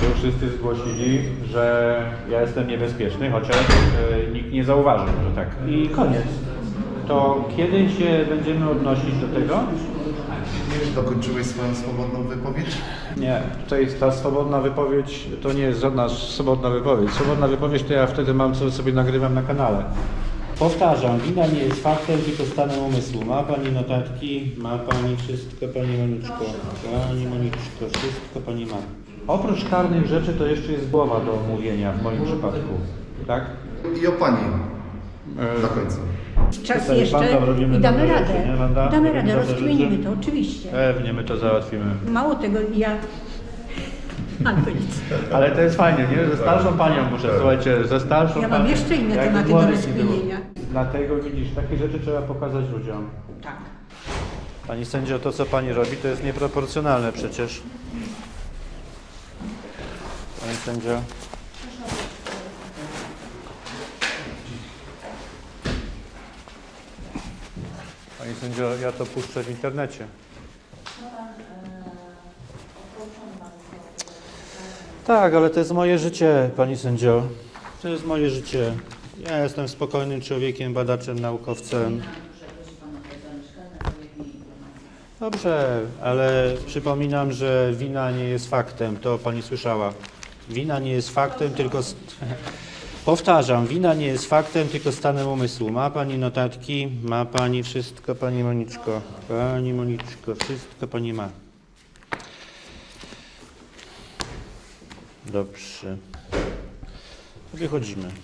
Tu wszyscy zgłosili, że ja jestem niebezpieczny, chociaż nikt nie zauważył, że tak. I koniec. To kiedy się będziemy odnosić do tego? Dokończyłeś swoją swobodną wypowiedź? Nie, tutaj ta swobodna wypowiedź to nie jest żadna swobodna wypowiedź. Swobodna wypowiedź to ja wtedy mam, co sobie nagrywam na kanale. Powtarzam, wina nie jest faktem, tylko stanem umysłu. Ma Pani notatki, ma Pani wszystko, Pani Moniczko. Pani Moniczko, wszystko Pani ma. Oprócz karnych rzeczy to jeszcze jest głowa do omówienia w moim przypadku, tak? I o Pani na końcu. Czas Tutaj jeszcze Wanda, robimy i damy dobre radę. rzeczy, nie, Wanda? Damy Robimy radę, dobre rozkminimy rzeczy? to, oczywiście. Pewnie my to załatwimy. Mało tego, ja... Ale to nic. Ale to jest fajnie, nie? Ze starszą panią muszę, słuchajcie, ze starszą Ja mam panią. jeszcze inne Jakby tematy do młodych nie było. rozkminienia. Dlatego widzisz, takie rzeczy trzeba pokazać ludziom. Tak. Pani sędzio, to co pani robi, to jest nieproporcjonalne przecież. Pani sędzio. Pani sędzio, ja to puszczę w internecie. Tak, ale to jest moje życie, pani sędzio. To jest moje życie. Ja jestem spokojnym człowiekiem, badaczem, naukowcem. Dobrze, ale przypominam, że wina nie jest faktem. To pani słyszała. Wina nie jest faktem, tylko... Powtarzam, wina nie jest faktem, tylko stanem umysłu. Ma pani notatki, ma pani wszystko, pani Moniczko. Pani Moniczko, wszystko pani ma. Dobrze. Wychodzimy.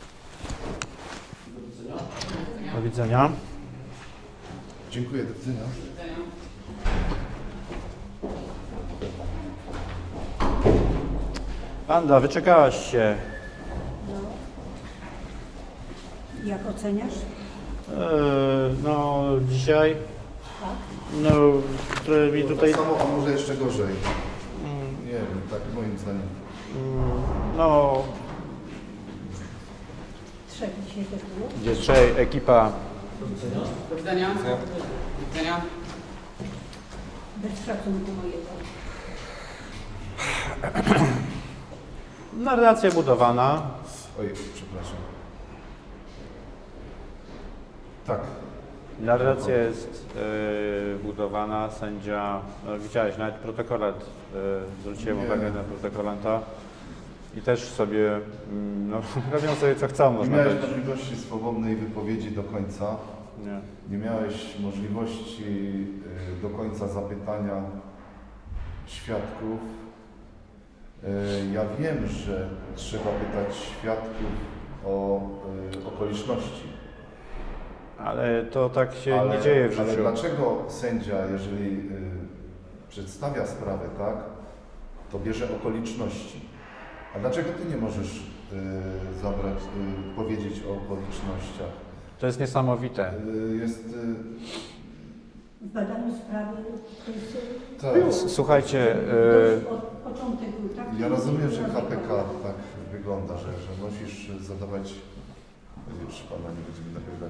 Do widzenia. Dziękuję, do widzenia. Wanda, wyczekałaś się. Jak oceniasz? No, dzisiaj. Tak. No, trochę mi tutaj. Tak samo, a może jeszcze gorzej. Nie wiem, tak moim zdaniem. No, Trzech dzisiaj też było. gdzie trzej, ekipa. Do widzenia. Do widzenia. Bez szacunku mojego. Narracja budowana. Oj, przepraszam. Tak. Narracja jest budowana, sędzia, no, widziałeś, nawet protokolat, zwróciłem Nie. uwagę na protokolanta i też sobie, no, robią sobie co chcą, Nie można miałeś powiedzieć. możliwości swobodnej wypowiedzi do końca. Nie. Nie miałeś możliwości do końca zapytania świadków. Ja wiem, że trzeba pytać świadków o okoliczności. Ale to tak się nie dzieje w Ale życiu. dlaczego sędzia, jeżeli przedstawia sprawę, tak, to bierze okoliczności? A dlaczego ty nie możesz powiedzieć o okolicznościach? To jest niesamowite. Jest... W badaniu sprawy to jest... tak. Słuchajcie, Od początek był taki... Ja rozumiem, że KPK tak wygląda, że musisz zadawać... Już pana nie będziemy nagrywać.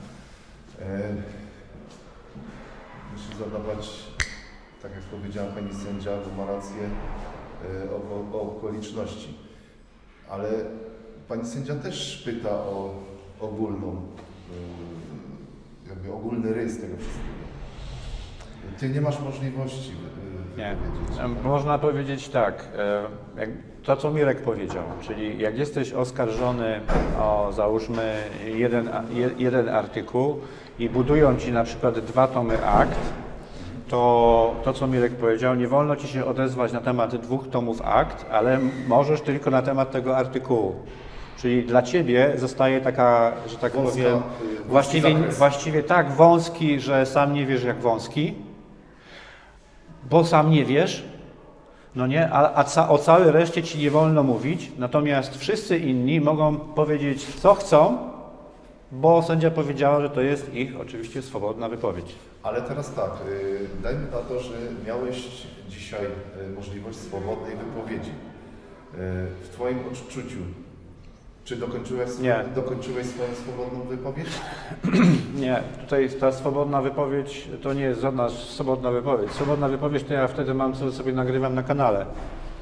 Musisz zadawać, tak jak powiedziała pani sędzia, bo ma rację, o okoliczności. Ale pani sędzia też pyta o ogólną, jakby ogólny rys tego wszystkiego. Ty nie masz możliwości nie. wypowiedzieć. Można powiedzieć tak, to co Mirek powiedział, czyli jak jesteś oskarżony o, załóżmy, jeden artykuł i budują ci na przykład 2 tomy akt, to co Mirek powiedział, nie wolno ci się odezwać na temat 2 tomów akt, ale możesz tylko na temat tego artykułu. Czyli dla ciebie zostaje taka, że tak Wąska, powiem, właściwie tak wąski, że sam nie wiesz jak wąski, bo sam nie wiesz, no nie, o całej reszcie ci nie wolno mówić, natomiast wszyscy inni mogą powiedzieć co chcą, bo sędzia powiedziała, że to jest ich oczywiście swobodna wypowiedź. Ale teraz tak, dajmy na to, że miałeś dzisiaj możliwość swobodnej wypowiedzi. W twoim odczuciu, czy dokończyłeś swoją swobodną wypowiedź? Nie, tutaj ta swobodna wypowiedź to nie jest żadna swobodna wypowiedź. Swobodna wypowiedź to ja wtedy mam, co sobie nagrywam na kanale.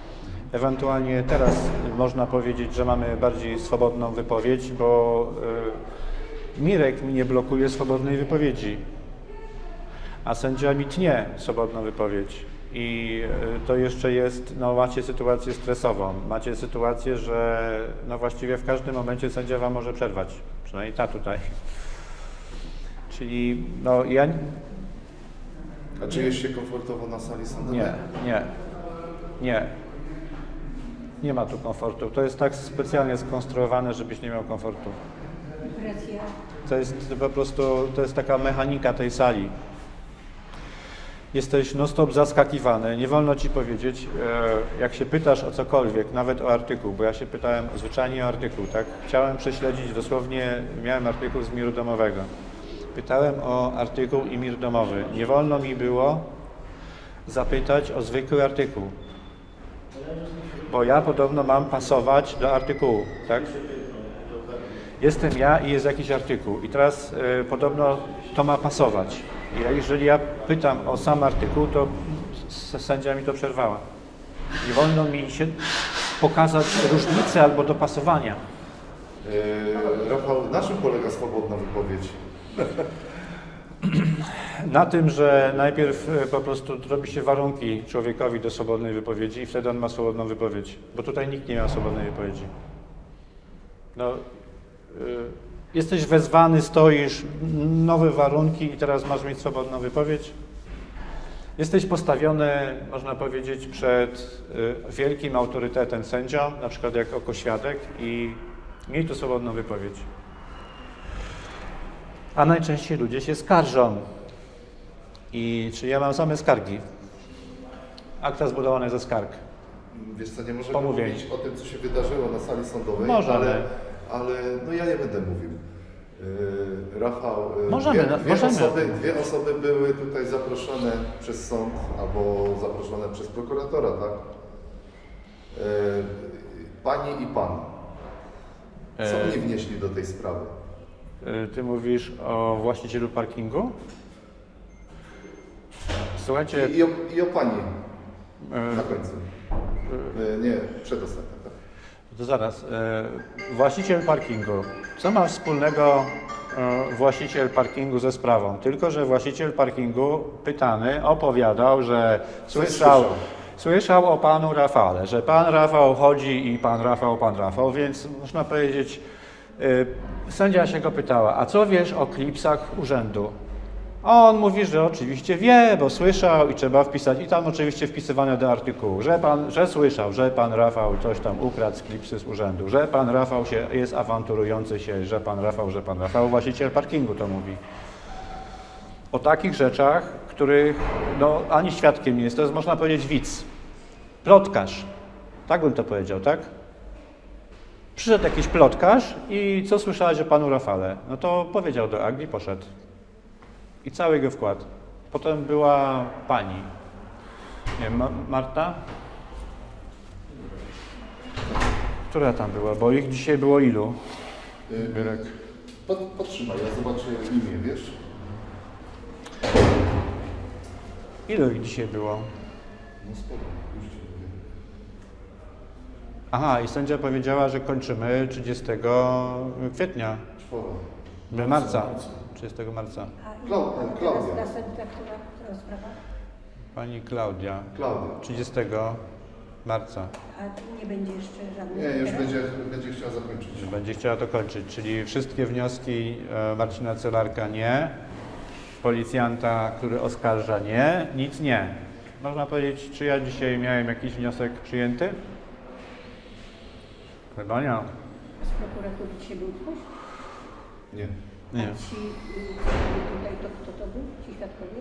Ewentualnie teraz można powiedzieć, że mamy bardziej swobodną wypowiedź, bo Mirek mi nie blokuje swobodnej wypowiedzi, a sędzia mi tnie swobodną wypowiedź. I to jeszcze jest, no macie sytuację stresową, macie sytuację, że no właściwie w każdym momencie sędzia wam może przerwać, przynajmniej ta tutaj. Czyli no ja... A czujesz się komfortowo na sali sądowej? Nie. Nie ma tu komfortu. To jest tak specjalnie skonstruowane, żebyś nie miał komfortu. Presja. To jest po prostu, to jest taka mechanika tej sali. Jesteś non-stop zaskakiwany. Nie wolno ci powiedzieć, jak się pytasz o cokolwiek, nawet o artykuł, bo ja się pytałem zwyczajnie o artykuł, tak? Chciałem prześledzić dosłownie, miałem artykuł z miru domowego. Pytałem o artykuł i mir domowy. Nie wolno mi było zapytać o zwykły artykuł, bo ja podobno mam pasować do artykułu, tak? Jestem ja i jest jakiś artykuł i teraz podobno to ma pasować. Jeżeli ja pytam o sam artykuł, to sędzia mi to przerwała. Nie wolno mi się pokazać różnicy albo dopasowania. Rafał, na czym polega swobodna wypowiedź? Na tym, że najpierw po prostu robi się warunki człowiekowi do swobodnej wypowiedzi i wtedy on ma swobodną wypowiedź, bo tutaj nikt nie ma swobodnej wypowiedzi. No, jesteś wezwany, stoisz, nowe warunki i teraz masz mieć swobodną wypowiedź. Jesteś postawiony, można powiedzieć, przed wielkim autorytetem sędzią, na przykład jako świadek i miej tu swobodną wypowiedź. A najczęściej ludzie się skarżą. I czy ja mam same skargi? Akta zbudowane ze skarg. Wiesz co, nie możemy Pomówień. mówić o tym, co się wydarzyło na sali sądowej, Możemy. ale no ja nie będę mówił. Rafał, Możemy, dwie osoby były tutaj zaproszone przez sąd albo zaproszone przez prokuratora, tak? Pani i pan. Co oni wnieśli do tej sprawy? Ty mówisz o właścicielu parkingu? Słuchajcie... I o pani na końcu. Nie, przedostatnia, tak? To zaraz. Właściciel parkingu. Co ma wspólnego właściciel parkingu ze sprawą? Tylko że właściciel parkingu pytany opowiadał, że słyszał o panu Rafale, że pan Rafał chodzi i pan Rafał, więc można powiedzieć, sędzia się go pytała, a co wiesz o klipsach urzędu? A on mówi, że oczywiście wie, bo słyszał i trzeba wpisać, i tam oczywiście wpisywane do artykułu, że słyszał, że pan Rafał coś tam ukradł z klipsy z urzędu, że pan Rafał jest awanturujący się, że pan Rafał, właściciel parkingu to mówi. O takich rzeczach, których no, ani świadkiem nie jest, to jest można powiedzieć widz, plotkarz, tak bym to powiedział, tak? Przyszedł jakiś plotkarz i co słyszałeś o panu Rafale? No to powiedział do Agli, poszedł. I cały jego wkład. Potem była pani, nie wiem, Marta? Która tam była? Bo ich dzisiaj było ilu? Byrek. Podtrzymaj, ja zobaczę imię, wiesz? Ilu ich dzisiaj było? No spoko, już ci powiem. Aha, i sędzia powiedziała, że kończymy 30 kwietnia. Marca. 30 marca. Klaudia. Która sprawa? Pani Klaudia. 30 marca. A nie będzie jeszcze żadnych... Nie, już będzie chciała zakończyć. Będzie chciała to kończyć, czyli wszystkie wnioski Marcina Celarka nie, policjanta, który oskarża nie, nic nie. Można powiedzieć, czy ja dzisiaj miałem jakiś wniosek przyjęty? Chyba nie. Z prokuratury dzisiaj był ktoś? Nie. Nie. A ci, co byli tutaj, to kto to był? Ci świadkowie?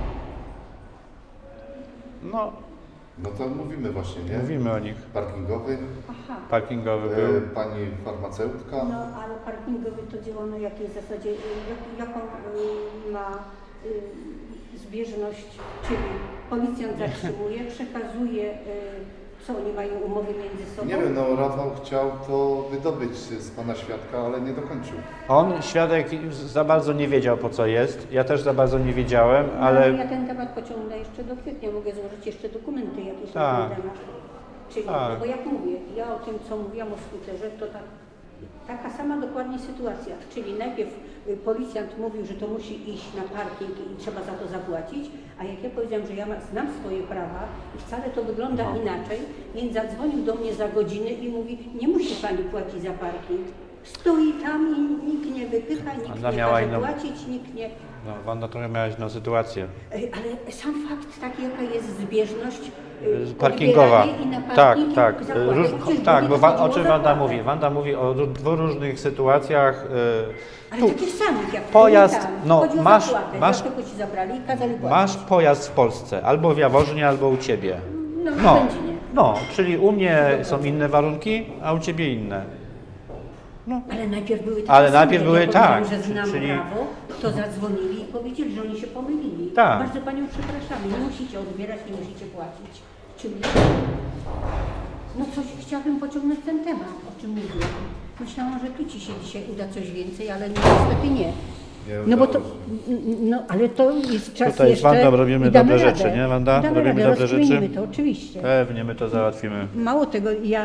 No to mówimy właśnie, nie? Mówimy o nich. Parkingowy, Aha. Parkingowy był. pani farmaceutka. No, ale parkingowy to działa na jakiej zasadzie, jaką ma zbieżność, czyli policjant zatrzymuje, przekazuje, co oni mają umowy między sobą. Nie wiem, no Rafał chciał to wydobyć z pana świadka, ale nie dokończył. On, świadek, za bardzo nie wiedział, po co jest. Ja też za bardzo nie wiedziałem, Ale ale ja ten temat pociągnę jeszcze do kwietnia, mogę złożyć jeszcze dokumenty jakieś Tak. na ten temat. Czyli, Tak. bo jak mówię, ja o tym, co mówiłam o skuterze, to taka sama dokładnie sytuacja. Czyli najpierw policjant mówił, że to musi iść na parking i trzeba za to zapłacić, a jak ja powiedziałam, że ja znam swoje prawa i wcale to wygląda inaczej, więc zadzwonił do mnie za godzinę i mówi, nie musi pani płacić za parking. Stoi tam i nikt nie wypycha, nikt Wanda nie miała każe inną- płacić, nikt nie... No, Wanda trochę miałaś inną sytuację. Ale sam fakt taki, jaka jest zbieżność Parkingowa. odbieranie i na Tak, parking tak. i zakłady. Przecież Tak, nie bo chodziło o czym o Wanda zapłatę. mówi? Wanda mówi o dwóch różnych sytuacjach. Ale Tu takich samych, jak pojazd, tam. no, Chodzi o masz- zapłatę, masz- dlatego ci zabrali i kazali płacić. Masz pojazd w Polsce, albo w Jaworznie, albo u Ciebie. No, No, w Będzinie. no, czyli u mnie są inne warunki, a u Ciebie inne. Ale najpierw były takie Ale same, najpierw jak były ja powiedziałam, tak, że znam czyli- prawo, to zadzwonili i powiedzieli, że oni się pomylili. Tak. Bardzo Panią przepraszamy, nie musicie odbierać, nie musicie płacić. Czyli no coś chciałabym pociągnąć ten temat, o czym mówiłam. Myślałam, że tu Ci się dzisiaj uda coś więcej, ale niestety nie. No bo to, no ale to jest czas Tutaj z jeszcze Wandą robimy i damy dobre radę. rzeczy, nie, Wanda? Damy Robimy radę, dobre rzeczy? rozkminimy to, oczywiście. Pewnie my to załatwimy. Mało tego, ja...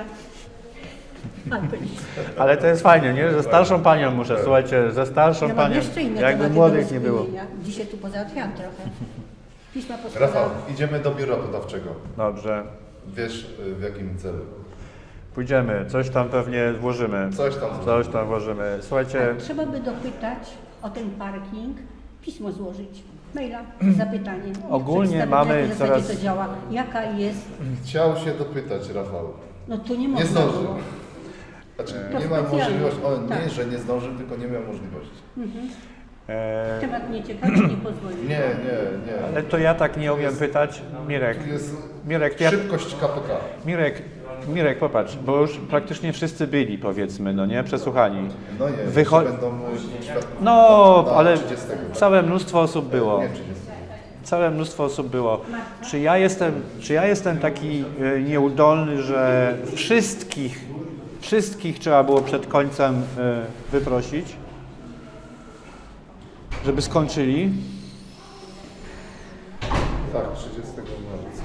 A, to nic. Ale to jest fajnie, nie? Ze starszą panią muszę, słuchajcie, ze starszą Ja mam panią, jeszcze inne jakby tematy młodych do nie było. rozkminienia. Dzisiaj tu pozałatwiałam trochę. Pisma poskładałam. Rafał, idziemy do biura podawczego. Dobrze, Wiesz w jakim celu? pójdziemy, coś tam pewnie włożymy. Coś tam włożymy. Słuchajcie, Tak, trzeba by dopytać o ten parking, pismo złożyć, maila z zapytaniem. Ogólnie Przedstawić, mamy na jakiej zasadzie coraz- to działa, jaka jest, Chciał się dopytać, Rafał. no to nie Nie można zdążył. było. Znaczy, To nie ma specjalnie. możliwości. On Tak. nie, że nie zdążył, tylko nie miał możliwości. Temat mnie ciekawi, nie pozwolił. Nie. ale to ja tak nie umiem pytać. Mirek, Tu jest Mirek, ja, szybkość KPK. Mirek, popatrz, bo już praktycznie wszyscy byli, powiedzmy, no nie, przesłuchani. No nie, Wycho- jeszcze będą świadków. No, Na ale 30. całe mnóstwo osób było. Nie 30. Całe mnóstwo osób było. Czy ja jestem taki nieudolny, że wszystkich trzeba było przed końcem wyprosić, żeby skończyli? Tak, 30 marca.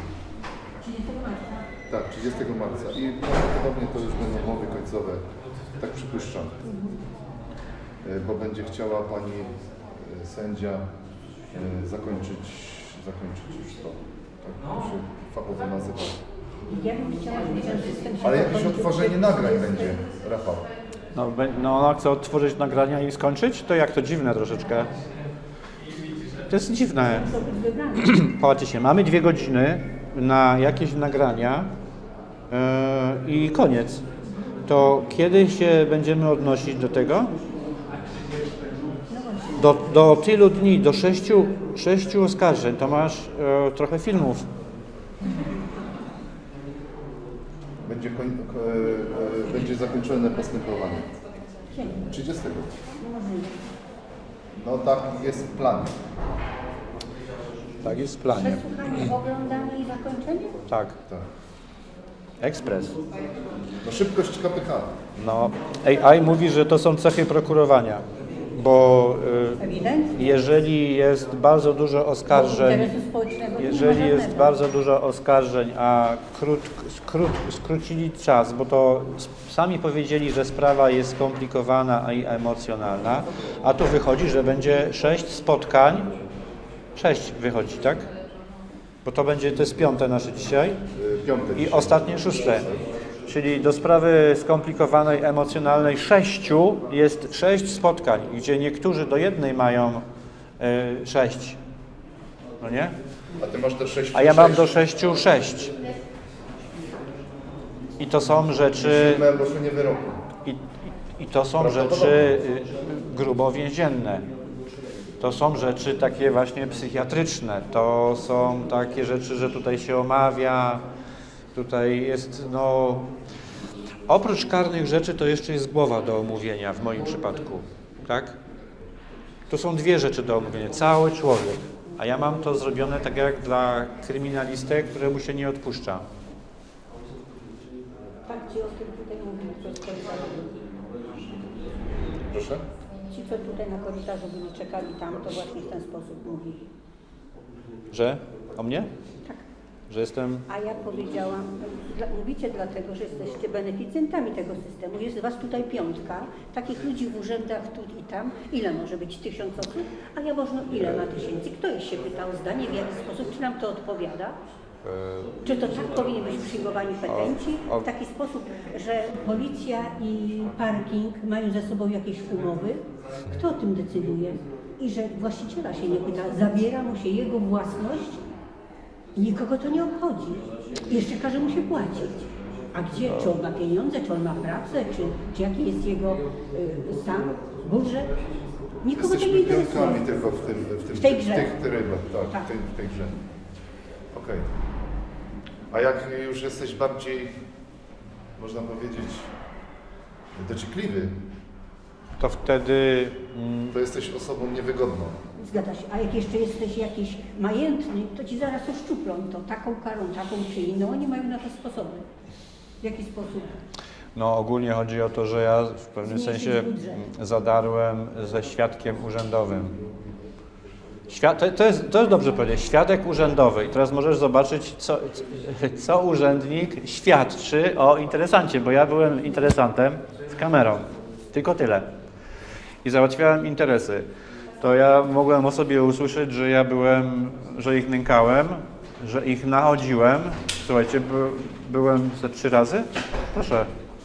Tak, 30 marca. I prawdopodobnie to już będą umowy końcowe. Tak przypuszczam. Bo będzie chciała pani sędzia zakończyć już to. Tak to się fachowo nazywa. Ja bym chciała, żeby ten system się Ale jakieś zakończył odtworzenie przed nagrań 30. będzie, Rafał. No ona chce odtworzyć nagrania i skończyć? To jak to dziwne troszeczkę. To jest dziwne. To być wybrane. Patrzcie się, mamy 2 godziny na jakieś nagrania i koniec. To kiedy się będziemy odnosić do tego? Do tylu dni, do 6 oskarżeń, to masz trochę filmów. Będzie zakończone postępowanie. 30. No tak jest plan. Tak jest w planie. Przesłuchanie, oglądanie i zakończenie? Tak. Tak. Ekspres. No szybkość KPK. No, AI mówi, że to są cechy prokurowania, bo Ewidentnie. jeżeli jest bardzo dużo oskarżeń, Interesu społecznego nie ma jeżeli jest żadnego. bardzo dużo oskarżeń, a skrócili czas, bo to sami powiedzieli, że sprawa jest skomplikowana i emocjonalna, a tu wychodzi, że będzie 6 spotkań, 6 wychodzi, tak? Bo to jest 5 nasze dzisiaj Piątek. i ostatnie 6. Czyli do sprawy skomplikowanej, emocjonalnej 6 jest 6 spotkań, gdzie niektórzy do jednej mają 6. No nie? A ty masz do 6. A ja mam do 6. I to są rzeczy, ogłoszenie wyroku. i to są rzeczy grubo więzienne. To są rzeczy takie właśnie psychiatryczne. To są takie rzeczy, że tutaj się omawia, tutaj jest, no... Oprócz karnych rzeczy to jeszcze jest głowa do omówienia w moim przypadku, tak? To są 2 rzeczy do omówienia, cały człowiek. A ja mam to zrobione tak jak dla kryminalisty, któremu się nie odpuszcza. Tak, ci o tym tutaj mówili, co z korytarzu. Proszę? Ci, co tutaj na korytarzu byli, czekali tam, to właśnie w ten sposób mówili. Że? O mnie? Tak. że jestem... A ja powiedziałam, mówicie dlatego, że jesteście beneficjentami tego systemu. Jest was tutaj 5, takich ludzi w urzędach tu i tam. Ile może być? 1000 osób? A Jaworzno ile ma tysięcy? Ktoś się pytał o zdanie, w jaki sposób, czy nam to odpowiada? Czy to tak powinni być przyjmowani petenci? W taki sposób, że policja i parking mają ze sobą jakieś umowy? Kto o tym decyduje? I że właściciela się nie pyta, zabiera mu się jego własność, nikogo to nie obchodzi. I jeszcze każe mu się płacić. A gdzie? Czy on ma pieniądze, czy on ma pracę, czy jaki jest jego stan, budżet? Nikogo to nie Jesteśmy interesuje. pionkami tylko W tej grze. w tych trybach, tak, Tak. w tej grze. Okej. A jak już jesteś bardziej, można powiedzieć, dociekliwy, To wtedy... to jesteś osobą niewygodną. Zgadza się. A jak jeszcze jesteś jakiś majętny, to ci zaraz uszczuplą to taką karą, taką czy inną. Oni mają na to sposoby. W jaki sposób? No ogólnie chodzi o to, że ja w pewnym Zmniejszyć sensie budżet. zadarłem ze świadkiem urzędowym. To jest dobrze powiedzieć, świadek urzędowy. I teraz możesz zobaczyć, co urzędnik świadczy o interesancie, bo ja byłem interesantem z kamerą. Tylko tyle. I załatwiałem interesy. To ja mogłem o sobie usłyszeć, że ich nękałem, że ich nachodziłem. Słuchajcie, byłem ze 3 razy? Proszę.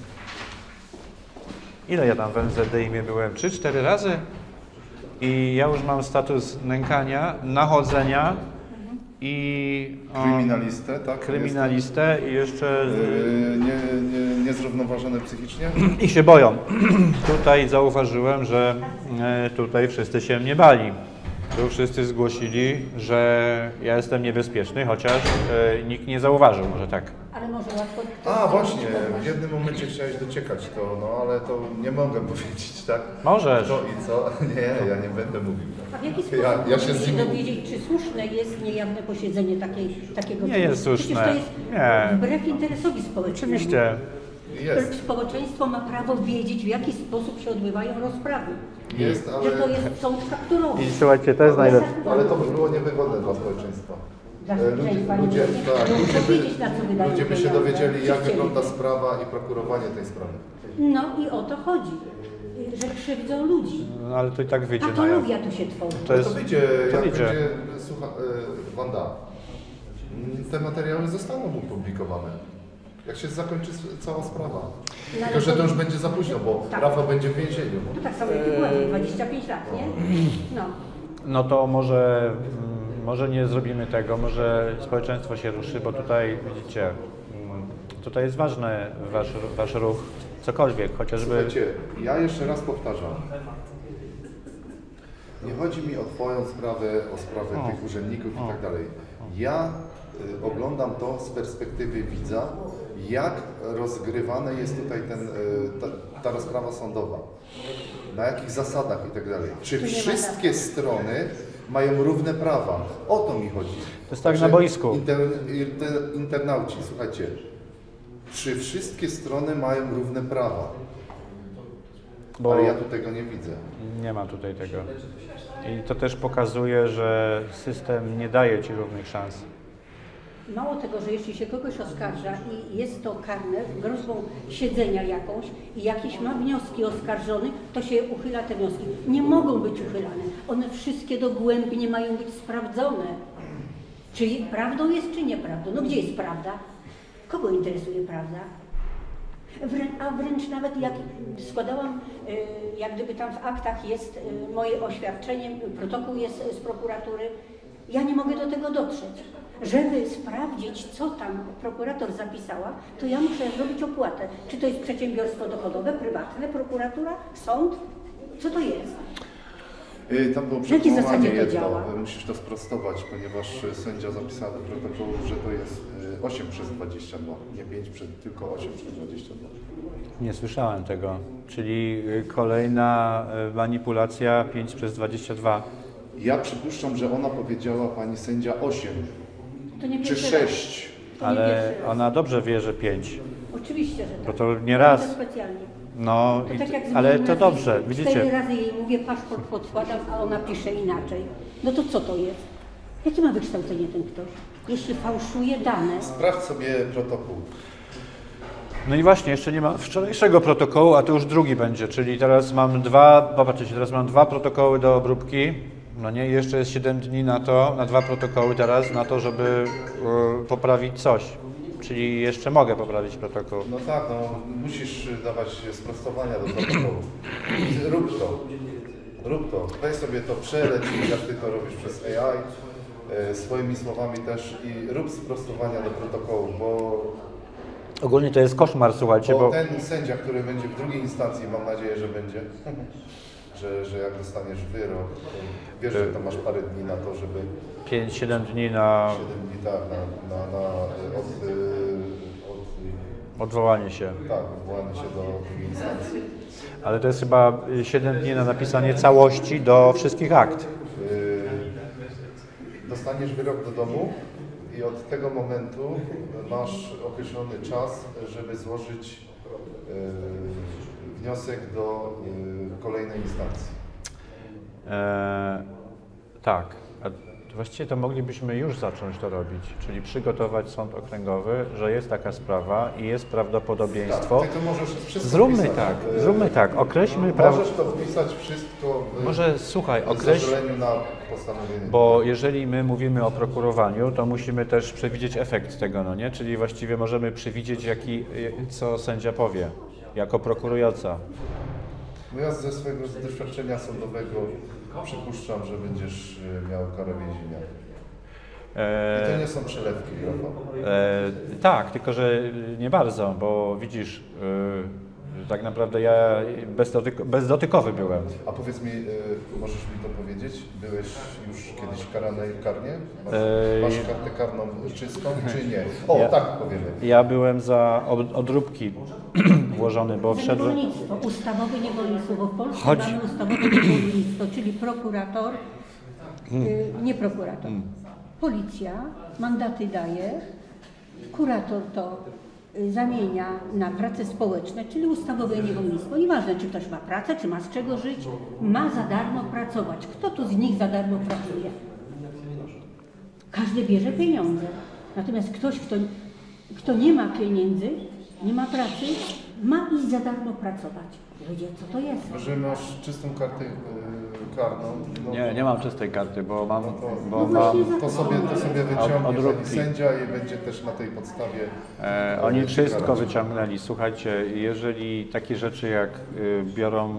Ile ja tam w MZDiM byłem? 3-4 razy? I ja już mam status nękania, nachodzenia i... Kryminalistę, tak? Kryminalistę i jeszcze... Niezrównoważony psychicznie? I się boją. Tutaj zauważyłem, że tutaj wszyscy się mnie bali. Tu wszyscy zgłosili, że ja jestem niebezpieczny, chociaż nikt nie zauważył, może tak. Ale może łatwo... ktoś A, właśnie, zobaczyć. w jednym momencie chciałeś dociekać to, no ale to nie mogę powiedzieć, tak? Możesz. Kto i co? Nie, ja nie będę mówił. A w jaki sposób Ja się możemy z nimi... dowiedzieć, czy słuszne jest niejawne posiedzenie takiego Nie jest typu? słuszne. Przecież to jest Nie. wbrew interesowi społecznemu. Oczywiście. Jest, Społeczeństwo ma prawo wiedzieć, w jaki sposób się odbywają rozprawy. jest, Że to ale, jest sąd fakturowy. I słuchajcie, to jest najlepsze. ale to by było niewygodne dla społeczeństwa. Dla społeczeństwa Ludzie, nie tak, chcą ludzie, wiedzieć, na co wydają ludzie by się pieniądze. dowiedzieli, jak Czy chcieli. wygląda sprawa i prokurowanie tej sprawy. No i o to chodzi, że krzywdzą ludzi. No ale to i tak wyjdzie na jaw. Patologia tu się tworzy. To jest... To wyjdzie, to jak wyjdzie. będzie, słucha, Wanda, te materiały zostaną opublikowane. Jak się zakończy cała sprawa. No, Tylko, że to już będzie za późno, bo Tak. Rafał będzie w więzieniu. No tak samo jak i była, 25 lat, nie? No. No to może nie zrobimy tego, może społeczeństwo się ruszy, bo tutaj widzicie, tutaj jest ważny wasz ruch, cokolwiek, chociażby... Słuchajcie, ja jeszcze raz powtarzam. Nie chodzi mi o Twoją sprawę, o sprawę tych urzędników i tak dalej. Ja oglądam to z perspektywy widza, jak rozgrywana jest tutaj ta rozprawa sądowa. Na jakich zasadach i tak dalej. Czy Tu nie ma wszystkie strony mają równe prawa? O to mi chodzi. To jest tak na boisku. Internauci, słuchajcie. Czy wszystkie strony mają równe prawa? Bo Ale ja tu tego nie widzę. nie ma tutaj tego. I to też pokazuje, że system nie daje ci równych szans. Mało tego, że jeśli się kogoś oskarża i jest to karne groźbą siedzenia jakąś i jakieś ma wnioski oskarżony, to się uchyla te wnioski. Nie mogą być uchylane. One wszystkie dogłębnie mają być sprawdzone. Czy prawdą jest, czy nieprawdą? No gdzie jest prawda? Kogo interesuje prawda? A wręcz nawet jak składałam, jak gdyby tam w aktach jest moje oświadczenie, protokół jest z prokuratury, ja nie mogę do tego dotrzeć. Żeby sprawdzić, co tam prokurator zapisała, to ja muszę zrobić opłatę. Czy to jest przedsiębiorstwo dochodowe, prywatne, prokuratura, sąd? Co to jest? Tam było W jakiej przekonanie zasadzie to jedno, działa? musisz to sprostować, ponieważ sędzia zapisał do protokołu, że to jest 8/22, nie 5, tylko 8/22. Nie słyszałem tego. Czyli kolejna manipulacja 5/22. Ja przypuszczam, że ona powiedziała pani sędzia 8 To nie czy pierwszy raz. 6. To nie Ale pierwszy raz. ona dobrze wie, że 5. Oczywiście, że Bo tak. to nie raz. To specjalnie. No, To tak jak ale zmieniam to nazwisko. dobrze, 4 widzicie. razy jej mówię, paszport podkładam, a ona pisze inaczej. No to co to jest? Jakie ma wykształcenie ten ktoś? Jeśli fałszuje dane, Sprawdź sobie protokół. No i właśnie, jeszcze nie ma wczorajszego protokołu, a to już drugi będzie, czyli teraz mam teraz mam dwa protokoły do obróbki, no nie, i jeszcze jest 7 dni na to, na dwa protokoły teraz, na to, żeby poprawić coś. Czyli jeszcze mogę poprawić protokół. No tak, no musisz dawać sprostowania do protokołu. Rób to. Rób to. Weź sobie to, przeleć, jak ty to robisz przez AI, swoimi słowami też i rób sprostowania do protokołu, bo Ogólnie to jest koszmar, słuchajcie, Bo bo ten sędzia, który będzie w drugiej instancji, mam nadzieję, że będzie, że jak dostaniesz wyrok, to wiesz, że to masz parę dni na to, żeby 5-7 dni na 7 dni tak, odwołanie się. odwołanie się do drugiej instancji. Ale to jest chyba 7 dni na napisanie całości do wszystkich akt. Dostaniesz wyrok do domu i od tego momentu masz określony czas, żeby złożyć wniosek do kolejnej instancji. Tak. A właściwie to moglibyśmy już zacząć to robić, czyli przygotować sąd okręgowy, że jest taka sprawa i jest prawdopodobieństwo. Tak, ty to możesz wszystko Zróbmy tak, określmy Możesz to wpisać wszystko Może słuchaj, w określ, zezwoleniu na postanowienie. bo jeżeli my mówimy o prokurowaniu, to musimy też przewidzieć efekt tego, no nie? Czyli właściwie możemy przewidzieć, co sędzia powie, jako prokurująca. No ja ze swojego doświadczenia sądowego przypuszczam, że będziesz miał karę więzienia. I to nie są przelewki, Rafał. Tak, tylko że nie bardzo, bo widzisz, tak naprawdę ja bezdotykowy byłem. A powiedz mi, możesz mi to powiedzieć? Byłeś już kiedyś karany karnie? Masz kartę karną czystą, czy nie? O, tak powiemy. Ja byłem za odróbki włożony, bo wszedłem... niewolnictwo, ustawowe niewolnictwo, bo w Polsce Chodź. mamy ustawowe niewolnictwo, czyli prokurator, nie prokurator. Policja mandaty daje, kurator to zamienia na prace społeczne, czyli ustawowe niewolnictwo. Nieważne, czy ktoś ma pracę, czy ma z czego żyć, ma za darmo pracować. Kto tu z nich za darmo pracuje? Każdy bierze pieniądze. Natomiast ktoś, kto nie ma pieniędzy, nie ma pracy, ma iść za darmo pracować. Ludzie, co to jest? Że masz czystą kartę karną. No, Nie mam czystej karty, bo mam... To sobie wyciągnie odróbki. pani sędzia i będzie też na tej podstawie. Oni wszystko karać. wyciągnęli. Słuchajcie, jeżeli takie rzeczy jak biorą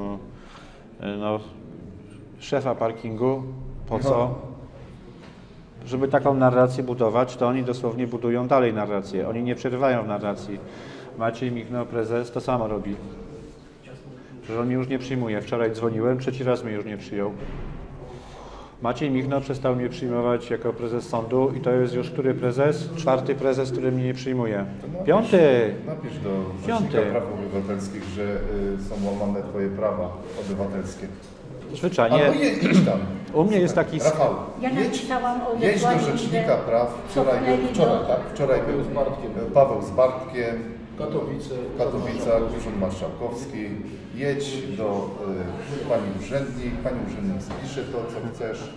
szefa parkingu, po co? Żeby taką narrację budować, to oni dosłownie budują dalej narrację. Oni nie przerywają w narracji. Maciej Michno, prezes, to samo robi. Że on mnie już nie przyjmuje. Wczoraj dzwoniłem, trzeci raz mnie już nie przyjął. Maciej Michno przestał mnie przyjmować jako prezes sądu i to jest już który prezes? 4. prezes, który mnie nie przyjmuje. 5. Napisz do Piąty. Rzecznika Praw Obywatelskich, że są łamane twoje prawa obywatelskie. Zwyczajnie. Albo idź tam. U mnie jest taki... Rafał, Ja napisałam o jedź do odesłaniu, Rzecznika że Praw. Wczoraj był Paweł z Bartkiem. W Katowicach, Urząd Marszałkowski. Jedź do pani urzędnik spisze to, co chcesz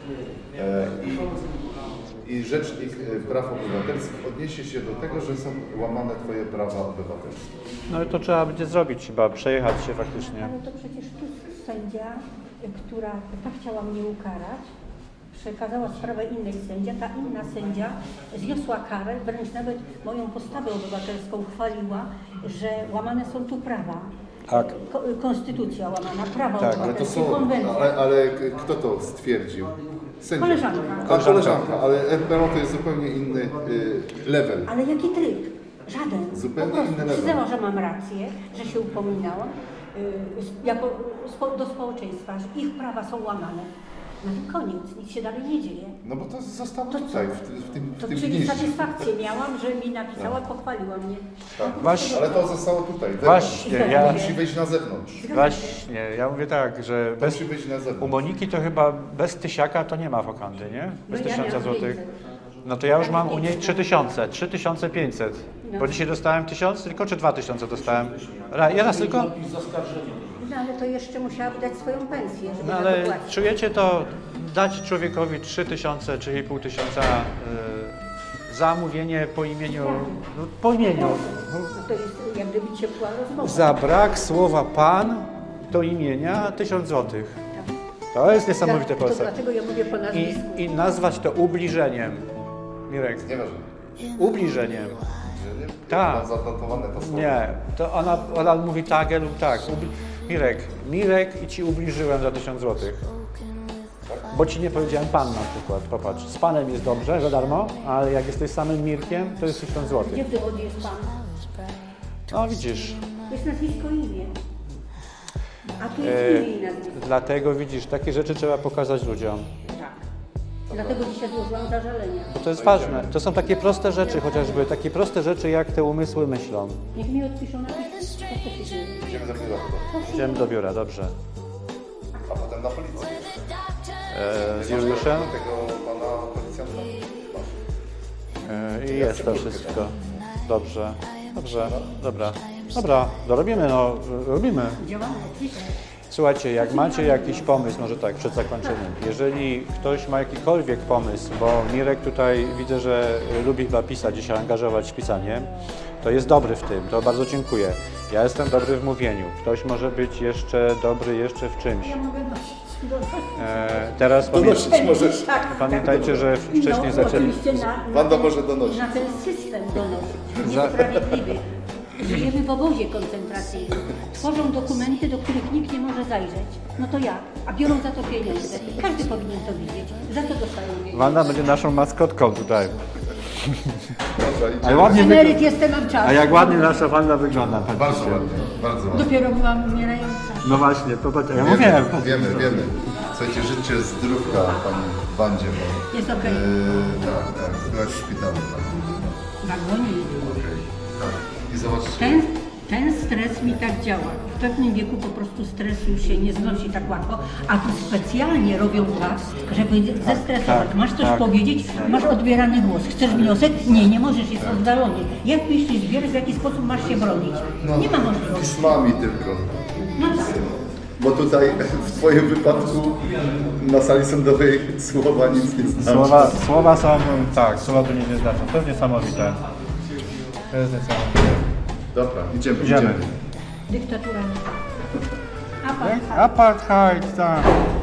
i Rzecznik Praw Obywatelskich odniesie się do tego, że są łamane twoje prawa obywatelskie. No i to trzeba będzie zrobić, chyba przejechać się faktycznie. Ale to przecież tu sędzia, która tak chciała mnie ukarać, przekazała sprawę innej sędzia, ta inna sędzia zniosła karę, wręcz nawet moją postawę obywatelską chwaliła, że łamane są tu prawa. Tak. Konstytucja łamana, prawa Tak, Ale to obywatelskie, są, konwencja. ale kto to stwierdził? Sędzia. Koleżanka. Koleżanka, ale RPO to jest zupełnie inny level. Ale jaki tryb? Żaden. Zupełnie po prostu inny level. przyznała, że mam rację, że się upominałam do społeczeństwa, że ich prawa są łamane. No i koniec, nic się dalej nie dzieje. No bo to zostało To tutaj, co? w tym To czyli gnieździe. satysfakcję miałam, że mi napisała, pochwaliła mnie. Tak. Właśnie. Ale to zostało tutaj. Właśnie, To ja... musi wyjść na zewnątrz. Właśnie, ja mówię tak, że To bez, musi wyjść na u zewnątrz. Moniki to chyba bez tysiaka to nie ma wokandy, nie? Bez No ja 1000 miałam złotych. 500. No to ja już mam u niej 3000, 3500. No. Bo dzisiaj dostałem 1000 tylko, czy 2000 dostałem? Ja raz tylko? No ale to jeszcze musiałaby dać swoją pensję, żeby No za ale to płacić. czujecie to, dać człowiekowi 3000 czy 5,5 za mówienie po imieniu, no, po imieniu. No to jest jak gdyby ciepła rozmowa. Za brak słowa pan do imienia 1000 zł. To jest niesamowite w To Polsce. dlatego ja mówię po nazwisku. I nazwać to ubliżeniem. Mirek, Nieważne. ubliżeniem. Że nie? Tak. Mam zanotowane to słowo. Nie, to ona mówi tak lub tak. Mirek i ci ubliżyłem za 1000 zł. Bo ci nie powiedziałem pan na przykład. Popatrz, z panem jest dobrze, za darmo, ale jak jesteś samym Mirkiem, to jest 1000 zł. Gdzie w dowodzie jest pan? No widzisz, To jest nazwisko i imię. A tu jest imię i nazwisko. dlatego widzisz, takie rzeczy trzeba pokazać ludziom. Tak. Dlatego dzisiaj złożyłam zażalenia. Bo to jest ważne. To są takie proste rzeczy chociażby, takie proste rzeczy jak te umysły myślą. Niech mi odpiszą na piśmie. Co to się dzieje? Idziemy do biura chyba. Idziemy do biura, dobrze. A potem na policję. Z Juliuszem Tego pana policjanta. i jest to wszystko. Dobrze, dobra, dorobimy, no, robimy. Działamy, oczywiście. Słuchajcie, jak macie jakiś pomysł, może tak, przed zakończeniem, jeżeli ktoś ma jakikolwiek pomysł, bo Mirek tutaj widzę, że lubi chyba pisać i się angażować w pisanie, to jest dobry w tym, to bardzo dziękuję. Ja jestem dobry w mówieniu, ktoś może być jeszcze dobry jeszcze w czymś. Ja mogę nosić. Teraz Donosić możesz. Tak. pamiętajcie, że wcześniej No, zaczęli... oczywiście Wanda może donosić. na ten system donosić. Niesprawiedliwy. Żyjemy w obozie koncentracyjnym. Tworzą dokumenty, do których nikt nie może zajrzeć. No to jak? A biorą za to pieniądze. Każdy powinien to widzieć. Za to dostają pieniądze. Wanda będzie naszą maskotką tutaj. Dobra, Ale idziemy. ładnie Emeryt jestem, mam czas. A jak ładnie nasza Wanda wygląda. Bardzo patrzcie. ładnie, bardzo ładnie. Dopiero byłam umierająca. No właśnie, popatrz, ja mówiłem. Wiemy. Słuchajcie, życzę zdrówka pani Wandzie. Bo, Jest okej. tak, byłaś w szpitalu. Tak. W agonii. Okej, tak. I zobaczcie. Ten stres mi tak działa. W pewnym wieku po prostu stres już się nie znosi tak łatwo, a tu specjalnie robią tak, żeby zestresować. Masz coś powiedzieć, masz odbierany głos. Chcesz wniosek? Nie możesz, jest oddalony. Jak myślisz, wiesz, w jaki sposób masz się bronić? Nie ma możliwości. Pismami tylko. No tak. Bo tutaj w twoim wypadku na sali sądowej słowa nic nie znaczą. Słowa są, tak, słowa tu nic nie znaczą. To jest niesamowite. To jest niesamowite. Dobra, idziemy. Idziemy. Dyktatura. Apartheid, tak.